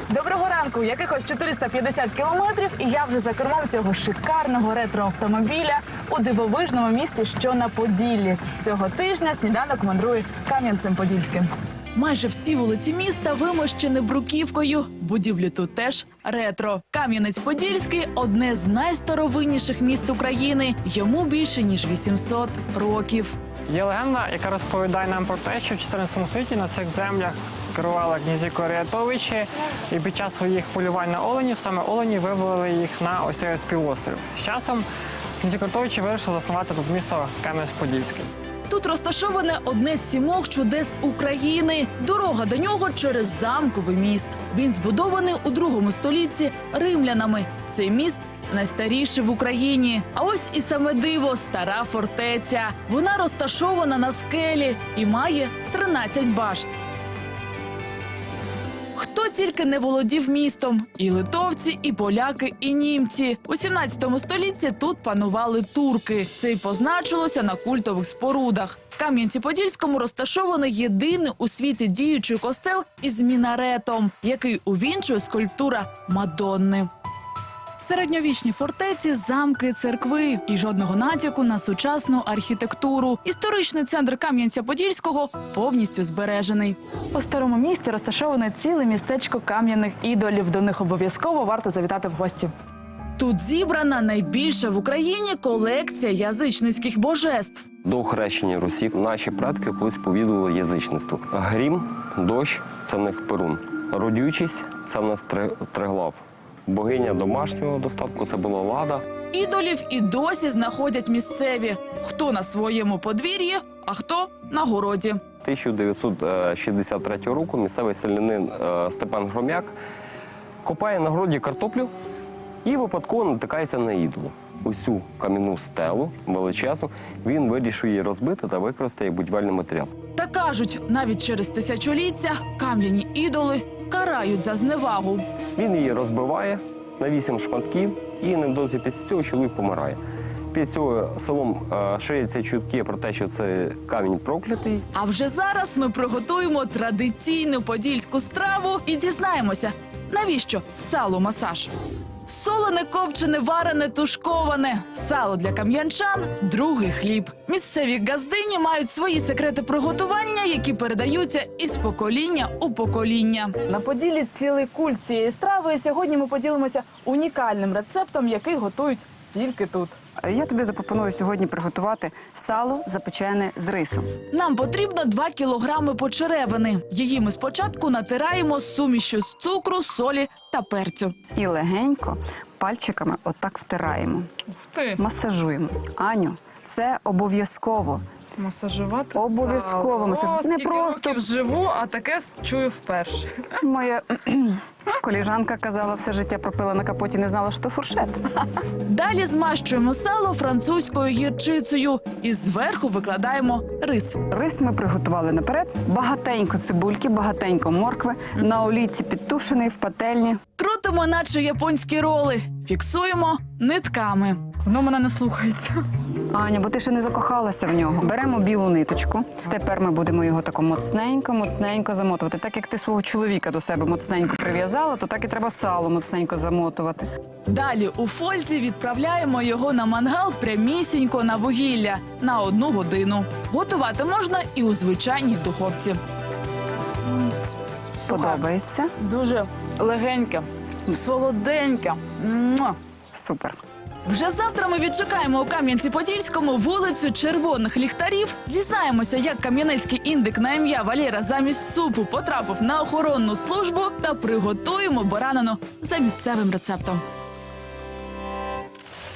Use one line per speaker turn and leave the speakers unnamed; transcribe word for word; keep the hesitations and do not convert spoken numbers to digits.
Доброго ранку! Якихось чотириста п'ятдесят кілометрів, і я вже за кермом цього шикарного ретроавтомобіля у дивовижному місті, що на Поділлі. Цього тижня сніданок мандрує Кам'янцем-Подільським. Майже всі вулиці міста вимощені бруківкою. Будівлі тут теж ретро. Кам'янець-Подільський – одне з найстаровинніших міст України. Йому більше, ніж вісімсот років.
Є легенда, яка розповідає нам про те, що в чотирнадцятому столітті на цих землях керували князі Корятовичі, і під час своїх полювань на оленів саме олені вивели їх на ось цей острів. З часом князі Корятовичі вирішили заснувати тут місто Кам'янець-Подільський.
Тут розташоване одне з сімох чудес України. Дорога до нього через замковий міст. Він збудований у другому столітті римлянами. Цей міст найстаріший в Україні. А ось і саме диво – стара фортеця. Вона розташована на скелі і має тринадцять башт. Хто тільки не володів містом – і литовці, і поляки, і німці. У сімнадцятому столітті тут панували турки. Це й позначилося на культових спорудах. В Кам'янці-Подільському розташований єдиний у світі діючий костел із мінаретом, який увінчує скульптура Мадонни. Середньовічні фортеці, замки, церкви і жодного натяку на сучасну архітектуру. Історичний центр Кам'янця-Подільського повністю збережений. У старому місті розташоване ціле містечко кам'яних ідолів. До них обов'язково варто завітати в гості. Тут зібрана найбільша в Україні колекція язичницьких божеств.
До хрещення Русі наші предки колись повідували язичництво. Грім, дощ – це в них Перун. Родючість – це в нас Триглав. Богиня домашнього достатку – це була Лада.
Ідолів і досі знаходять місцеві. Хто на своєму подвір'ї, а хто на городі.
тисяча дев'ятсот шістдесят третього року місцевий селянин Степан Громяк копає на городі картоплю і випадково натикається на ідолу. Усю кам'яну стелу величезну він вирішує її розбити та використати як будівельний матеріал.
Та кажуть, навіть через тисячоліття кам'яні ідоли карають за зневагу.
Він її розбиває на вісім шматків і невдовзі після цього чоловік помирає. Після цього селом е, ширяться чутки про те, що це камінь проклятий.
А вже зараз ми приготуємо традиційну подільську страву і дізнаємося, навіщо сало-масаж. Солене, копчене, варене, тушковане. Сало для кам'янчан – другий хліб. Місцеві газдині мають свої секрети приготування, які передаються із покоління у покоління. На Поділлі цілий культ цієї страви, і сьогодні ми поділимося унікальним рецептом, який готують тільки тут.
Я тобі запропоную сьогодні приготувати сало, запечене з рисом.
Нам потрібно два кілограми почеревини. Її ми спочатку натираємо з сумішю з цукру, солі та перцю.
І легенько пальчиками отак втираємо.
Ух ти!
Масажуємо. Аню, це обов'язково.
Масажувати
Обов'язково масажувати. Не
Не
просто
років живу, а таке чую вперше.
моя коліжанка казала, все життя пропила на капоті, не знала, що фуршет.
Далі змащуємо сало французькою гірчицею і зверху викладаємо рис.
Рис ми приготували наперед. Багатенько цибульки, багатенько моркви. На олійці підтушений в пательні.
Крутимо, наче японські роли. Фіксуємо нитками.
Воно мене не слухається.
Аня, бо ти ще не закохалася в нього. Беремо білу ниточку. Тепер ми будемо його тако моцненько, моцненько замотувати. Так як ти свого чоловіка до себе моцненько прив'язала, то так і треба сало моцненько замотувати.
Далі у фользі відправляємо його на мангал прямісінько на вугілля на одну годину. Готувати можна і у звичайній духовці.
Подобається?
Дуже легеньке, солоденьке. Муа!
Супер.
Вже завтра ми відшукаємо у Кам'янці-Подільському вулицю Червоних Ліхтарів. Дізнаємося, як кам'янецький індик на ім'я Валера замість супу потрапив на охоронну службу та приготуємо баранину за місцевим рецептом.